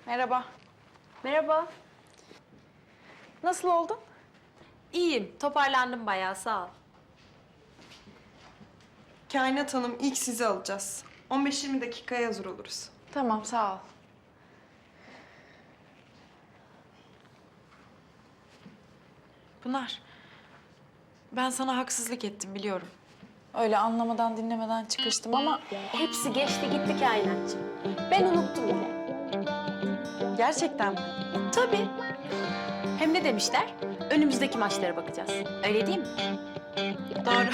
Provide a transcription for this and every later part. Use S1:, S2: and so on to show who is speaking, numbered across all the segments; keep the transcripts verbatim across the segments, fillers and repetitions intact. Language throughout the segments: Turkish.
S1: Merhaba.
S2: Merhaba.
S1: Nasıl oldun?
S2: İyiyim. Toparlandım bayağı. Sağ ol.
S3: Kainat Hanım, ilk sizi alacağız. on beş yirmi dakikaya hazır oluruz.
S1: Tamam, sağ ol. Pınar, ben sana haksızlık ettim biliyorum. Öyle anlamadan dinlemeden çıkıştım ama
S2: Hepsi geçti gitti kainatçığım. Ben unuttum bile.
S1: gerçekten mi?
S2: Tabii. Hem ne demişler? Önümüzdeki maçlara bakacağız. Öyle değil mi?
S1: Doğru.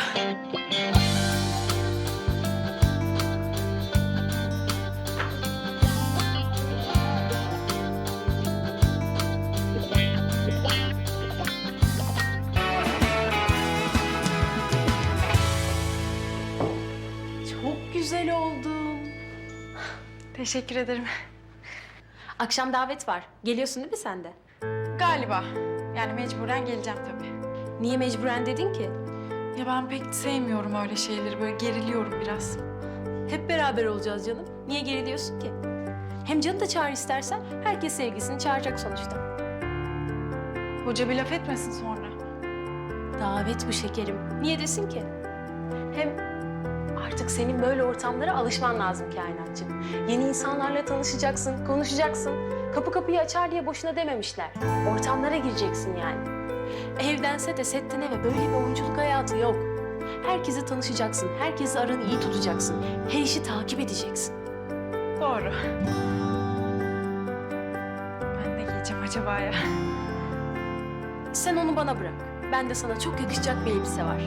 S2: Çok güzel oldun.
S1: Teşekkür ederim.
S2: Akşam davet var. Geliyorsun değil mi sen de?
S1: Galiba. Yani mecburen geleceğim tabii.
S2: Niye mecburen dedin ki?
S1: Ya ben pek sevmiyorum öyle şeyleri. Böyle geriliyorum biraz.
S2: Hep beraber olacağız canım. Niye geriliyorsun ki? Hem canı da çağır istersen. Herkes sevgisini çağıracak sonuçta.
S1: Hoca bir laf etmesin sonra.
S2: Davet bu şekerim. Niye desin ki? Hem artık senin böyle ortamlara alışman lazım kainatçığım. Yeni insanlarla tanışacaksın, konuşacaksın. Kapı kapıyı açar diye boşuna dememişler. Ortamlara gireceksin yani. Evdense de setten eve böyle bir oyunculuk hayatı yok. Herkese tanışacaksın, herkesi aranı iyi tutacaksın. Her işi takip edeceksin.
S1: Doğru. Ben ne giyeceğim acaba ya?
S2: Sen onu bana bırak. Ben de sana çok yakışacak bir elbise var.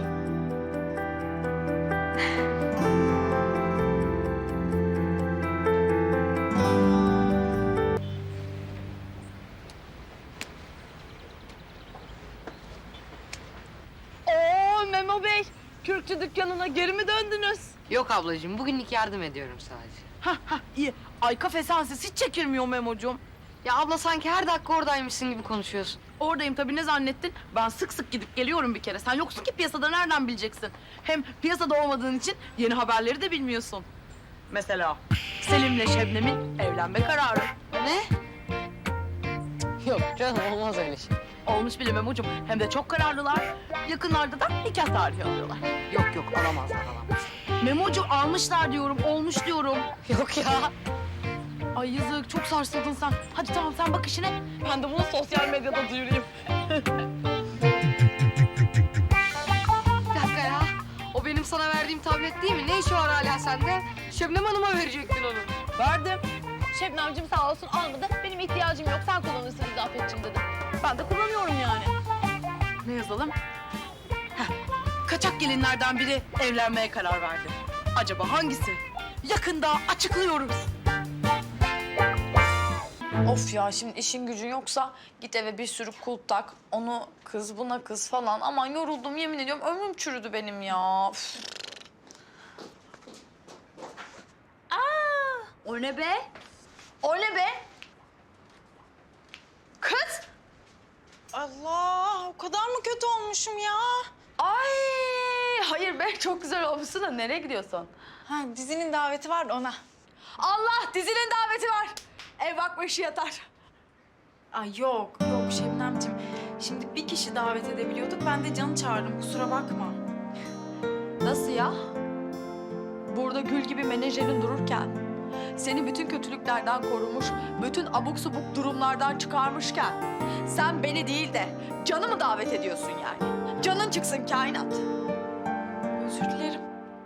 S4: Oo Memo Bey, Kürkçü dükkanına geri mi döndünüz?
S5: Yok ablacığım, bugünlük yardım ediyorum sadece.
S4: Hah hah iyi. Ay kafe sensiz hiç çekilmiyor Memo'cum.
S5: Ya abla sanki her dakika oradaymışsın gibi konuşuyorsun.
S4: Oradayım tabii, ne zannettin? Ben sık sık gidip geliyorum bir kere. Sen yoksun ki piyasada, nereden bileceksin? Hem piyasada olmadığın için yeni haberleri de bilmiyorsun. Mesela Selim'le Şebnem'in evlenme kararı.
S5: Ne? Yok canım, olmaz öyle şey.
S4: Olmuş bile Memo'cum. Hem de çok kararlılar. Yakınlarda da nikah tarihi alıyorlar.
S5: Yok yok, alamazlar alamazlar.
S4: Memo'cum almışlar diyorum, olmuş diyorum.
S5: Yok ya.
S4: Ay yazık, çok sarsıldın sen. Hadi tamam, sen bak işine. Ben de bunu sosyal medyada duyurayım.
S5: Bir dakika ya. O benim sana verdiğim tablet değil mi? Ne işi var hala sende? Şebnem Hanım'a verecektin onu.
S4: Verdim. Şebnemciğim sağ olsun almadı. Benim ihtiyacım yok, sen kullanırsın İzafetciğim dedi. Ben de kullanıyorum yani. Ne yazalım? Heh. Kaçak gelinlerden biri evlenmeye karar verdi. Acaba hangisi? Yakında açıklıyoruz.
S6: Of ya, şimdi işin gücün yoksa git eve bir sürü kulp tak. Onu kız, buna kız falan. Aman yoruldum, yemin ediyorum ömrüm çürüdü benim ya. Üf.
S2: O ne be?
S6: O ne be? Kız!
S1: Allah, o kadar mı kötü olmuşum ya?
S6: Ay, hayır be, çok güzel olmuşsun da nereye gidiyorsun?
S1: Ha, dizinin daveti var da ona.
S6: Allah, dizinin daveti var. Ev bakma işi yatar.
S1: Ay yok, yok Şebnemciğim. Şimdi bir kişi davet edebiliyorduk, ben de Can'ı çağırdım, kusura bakma.
S6: Nasıl ya? Burada gül gibi menajerin dururken, seni bütün kötülüklerden korumuş, bütün abuk subuk durumlardan çıkarmışken, sen beni değil de Can'ı mı davet ediyorsun yani? Can'ın çıksın kainat.
S1: Özür dilerim.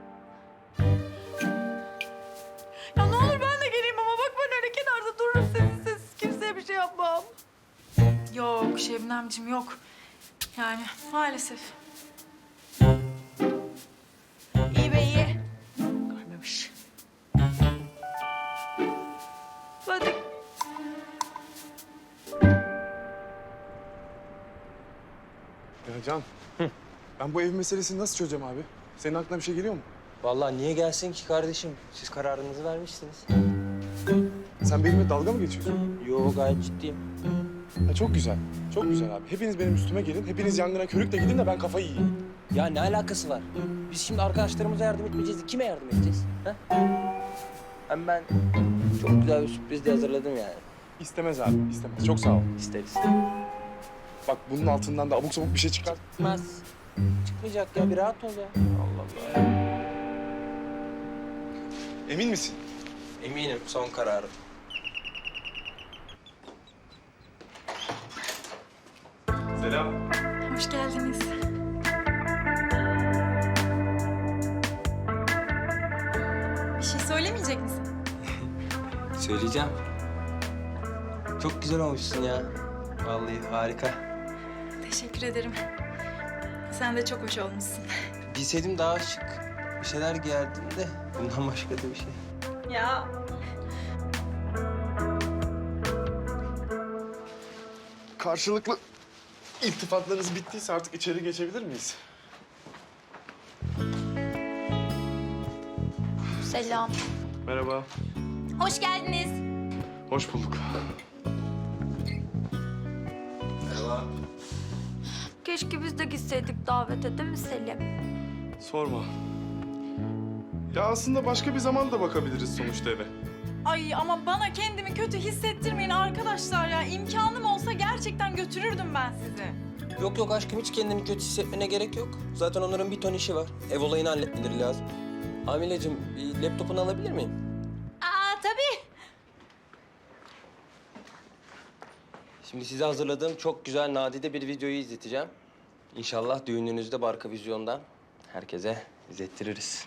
S6: Ya ne olur ben de geleyim ama bak, ben öyle kenarda dururum sessiz sessiz, kimseye bir şey yapmam.
S1: Yok Şebnemciğim, yok. Yani maalesef.
S6: İyi be iyi. Görmemiş. Hadi.
S7: Ya Can, ben bu ev meselesini nasıl çözeceğim abi? Senin aklına bir şey geliyor mu?
S8: Vallahi niye gelsin ki kardeşim? Siz kararınızı vermişsiniz.
S7: Sen benimle dalga mı geçiyorsun?
S8: Yo, gayet ciddiyim.
S7: Ha, çok güzel, çok güzel abi. Hepiniz benim üstüme gelin, hepiniz yangına körükle gidin de ben kafayı yiyeyim.
S8: Ya ne alakası var? Biz şimdi arkadaşlarımıza yardım etmeyeceğiz de kime yardım edeceğiz? Ha? Hem ben çok güzel bir sürpriz de hazırladım yani.
S7: İstemez abi, istemez. Çok sağ ol.
S8: İster
S7: Bak bunun altından da abuk sabuk bir şey çıkar.
S8: istemez. Çıkmayacak ya, bir rahat ol ya. Allah Allah ya.
S7: Emin misin?
S8: Eminim, son kararım.
S7: Selam.
S1: Hoş geldiniz. Bir şey söylemeyecek misin?
S8: Söyleyeceğim. Çok güzel olmuşsun ya. Vallahi harika.
S1: Teşekkür ederim. Sen de çok hoş olmuşsun.
S8: Bilseydim daha şık bir şeyler giyerdim de bundan başka da bir şey.
S1: Ya.
S7: Karşılıklı iltifatlarınız bittiyse artık içeri geçebilir miyiz?
S1: Selam.
S7: Merhaba.
S1: Hoş geldiniz.
S7: Hoş bulduk.
S8: Merhaba.
S9: Keşke biz de gitseydik davete, değil mi Selim?
S7: Sorma. Ya aslında başka bir zaman da bakabiliriz sonuçta eve.
S1: Ay ama bana kendimi kötü hissettirmeyin arkadaşlar ya. İmkanım olsa gerçekten götürürdüm ben sizi.
S8: Yok yok aşkım, hiç kendini kötü hissetmene gerek yok. Zaten onların bir ton işi var. Ev olayını halletmeleri lazım. Amilecim, bir laptopunu alabilir miyim?
S1: Aa tabii.
S8: Şimdi size hazırladığım çok güzel nadide bir videoyu izleteceğim. İnşallah düğününüzde Barka Vizyon'dan herkese izlettiririz.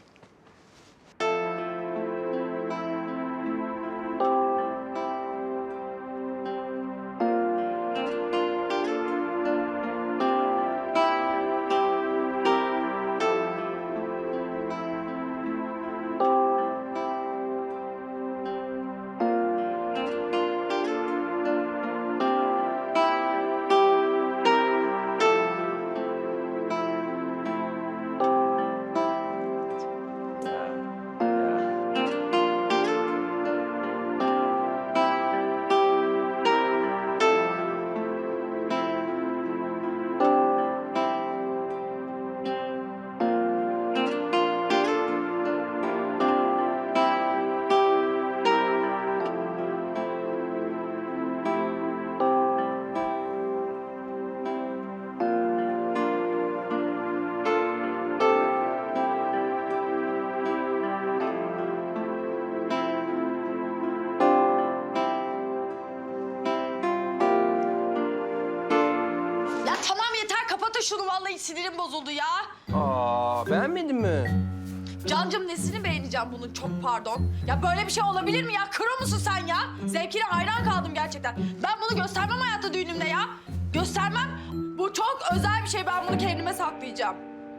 S6: Ya tamam yeter, kapatın şunu. Vallahi sinirim bozuldu ya.
S8: Aa, beğenmedin mi?
S6: Cancım, nesini beğeneceğim bunun, çok pardon. Ya böyle bir şey olabilir mi ya? Kro musun sen ya? Zevkine hayran kaldım gerçekten. Ben bunu göstermem hayatta düğünümde ya. Göstermem. Bu çok özel bir şey, ben bunu kendime saklayacağım.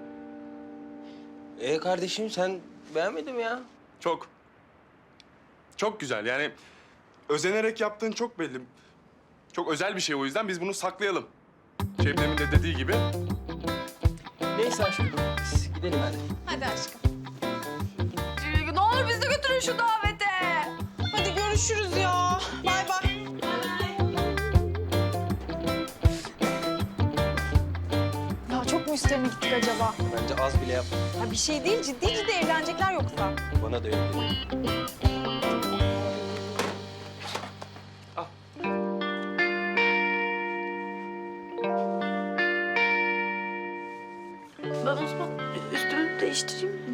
S8: Ee kardeşim, sen beğenmedin mi ya?
S7: Çok. Çok güzel yani özenerek yaptığın çok belli. Çok özel bir şey, o yüzden biz bunu saklayalım. Şebnem'in de dediği gibi.
S8: Neyse aşkım, biz gidelim hadi.
S1: Hadi aşkım.
S6: Ee, Ne olur bizi de götürün şu davete.
S1: Hadi görüşürüz ya. Bay bay. Ya çok mu üstlerine gittik acaba?
S8: Bence az bile yap.
S1: Ya bir şey değil, ciddi ciddi evlenecekler yoksa.
S8: Bana da öyle geliyor.
S9: Ben o zaman üstümü değiştireyim mi?